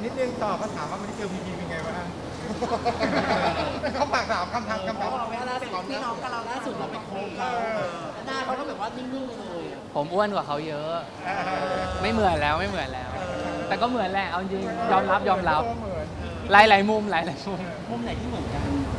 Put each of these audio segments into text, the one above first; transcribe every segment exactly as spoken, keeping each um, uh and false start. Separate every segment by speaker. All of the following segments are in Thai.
Speaker 1: นิดนึงตอบเขาถามว่าไม่ได้เจอพีพีเป็นไงบ้างเขาฝากถามคำถามคำถาม
Speaker 2: เราเวลาเป็นพี่น้องกับเราล่าสุดเราไปโค้งเขาหน้าเขาก็แบบว่านิ่งๆไปเลย
Speaker 3: ผมอ้วนกว่าเขาเยอะ ไม่เหมือนแล้วไม่เหมือนแล้ว แต่ก็เหมือนแหละเอาจริงยอมรับยอมรับหลายหลายๆมุมหลายหลายๆมุม
Speaker 2: มุมไหนที่เหมือนกัน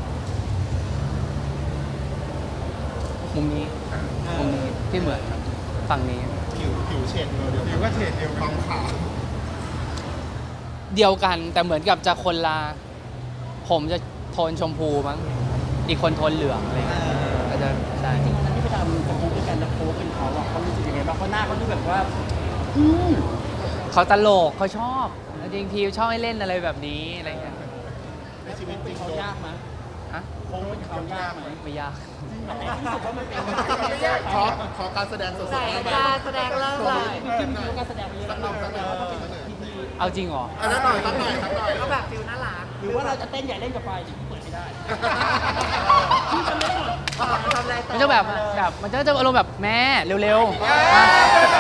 Speaker 3: มุมนี้มุมนี้ที่เหมือนครับฝั่งนี้
Speaker 4: ผิวผิวเฉดเดียว
Speaker 1: ผิวก็เฉดเดียว
Speaker 4: ท
Speaker 1: กั
Speaker 4: อน งขาว
Speaker 3: เดียวกันแต่เหมือนกับจะคนละผมจะโทนชมพูมั้งอีกคนโทนเหลืองอะไรเงี้ยก็จะใช่
Speaker 2: จริงๆวันนั้นที่ไปทำโค้งด้วยกันแล้วโค้งเป็นเขาอ่ะเขารู้สึกยังไงบ้างเพราะหน้าเขาดูแบบว่าอืม
Speaker 3: เขาตลกเขาชอบจริงๆพีชอบให้เล่นอะไรแบบนี้อะไรเงี้ย
Speaker 4: ในชีวิตจ
Speaker 2: เป็
Speaker 4: ริ
Speaker 2: น
Speaker 4: ง
Speaker 2: เขา
Speaker 4: โดน
Speaker 2: ยากไหม
Speaker 3: ฮะ
Speaker 2: โค้งเป็นเขายากไหม
Speaker 3: ไม่ยาก
Speaker 2: อันไหนที่รู้สึกว่ามันเป็น
Speaker 4: ขอขอการแสดงสดๆ
Speaker 5: ใส่
Speaker 4: ได้ไหม
Speaker 5: การแสดงเริ่มเลย
Speaker 2: พี่มีการแสดงเยอะแล้วเราแสดงว่าต้องเป็นพีพี
Speaker 3: เอาจริงเหรอ
Speaker 4: อันนั้นหน่อยสักหน่อยสักหน่อย
Speaker 5: ก็แบบฟิลน่ารัก
Speaker 2: หรือว่าเราจะเต้นใหญ่เล่นกับไฟเดี๋ยวพี่เปิดไม่ได้พี่จะไม่ได้หมด
Speaker 5: ทำอะไรต่อ
Speaker 3: มันจะแบบแบบมันจะจะอารมณ์แบบแม่เร็วๆมา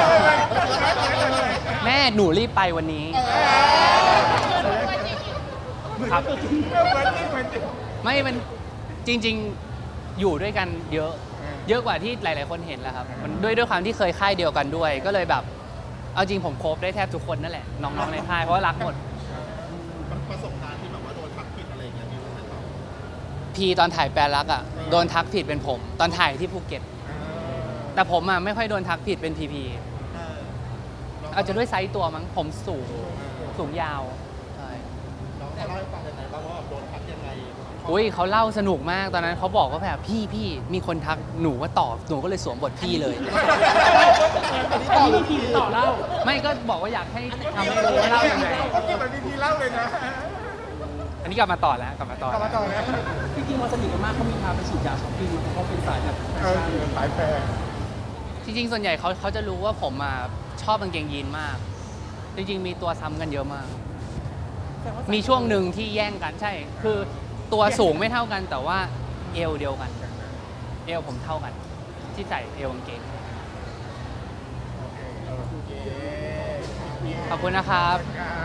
Speaker 3: แม่หนูรีบไปวันนี้ครับ
Speaker 1: เหมือนจริงเหมือนจริง
Speaker 3: ไม่มันจริง ๆอยู่ด้วยกันเยอะ เยอะกว่าที่หลาย ๆ คนเห็นแหละครับมันด้วยด้วยความที่เคยค่ายเดียวกันด้วย ก็เลยแบบเอาจริงผมโคบได้แทบทุกคนนั่นแหละน้องๆในค่ายเพราะว่ารักหมด
Speaker 4: ประสบการณ์ที่แบบว่าโดนทักผิดอะไรอย่างเงี้ยมีบ้างไหมครับ
Speaker 3: พีตอนถ่ายแปลรักอ่ะโดนทักผิดเป็นผม ตอนถ่ายที่ภูเก็ต แต่ผมอ่ะไม่ค่อยโดนทักผิดเป็นพีพีอาจจะด้วยไซส์ตัวมั้งผมสูงสูงยาวใช่
Speaker 4: น้องเขาเล่าให้ฟังยังไงบ้างว่าแบบโดนทักยังไง
Speaker 3: อุ้ยเขาเล่าสนุกมากตอนนั้นเขาบอกว่าแบบพี่พี่มีคนทักหนูก็ตอบหนูก็เลยสวมบทพี่เลย
Speaker 2: อันนี้พี่พีต่อเล่า
Speaker 3: ไม่ก็บอกว่าอยากให้ทำให้รู้ว่าเล่ายังไง
Speaker 1: เขากินเหมือนพีพีเล่าเลยนะ
Speaker 3: อันนี้กลับมาต่อแล้วกลับมาต่อก
Speaker 1: ลับมาต่อนะ
Speaker 2: จริงๆมันสนิทกันมากเขามีพาไปฉีดยาช้อปปิ้งเพราะเขาเป็นสายแบบ
Speaker 1: เออสายแฟร์
Speaker 3: จริงๆส่วนใหญ่เขาเขาจะรู้ว่าผมอ่ะชอบกางเกงยีนมาก จริงๆมีตัวซ้ำกันเยอะมาก มีช่วงหนึ่งที่แย่งกันใช่ คือตัวสูงไม่เท่ากันแต่ว่าเอวเดียวกัน เอวผมเท่ากัน ที่ใส่เอวกางเกง
Speaker 1: โอเค
Speaker 3: ขอบคุณนะครับ
Speaker 1: ครับ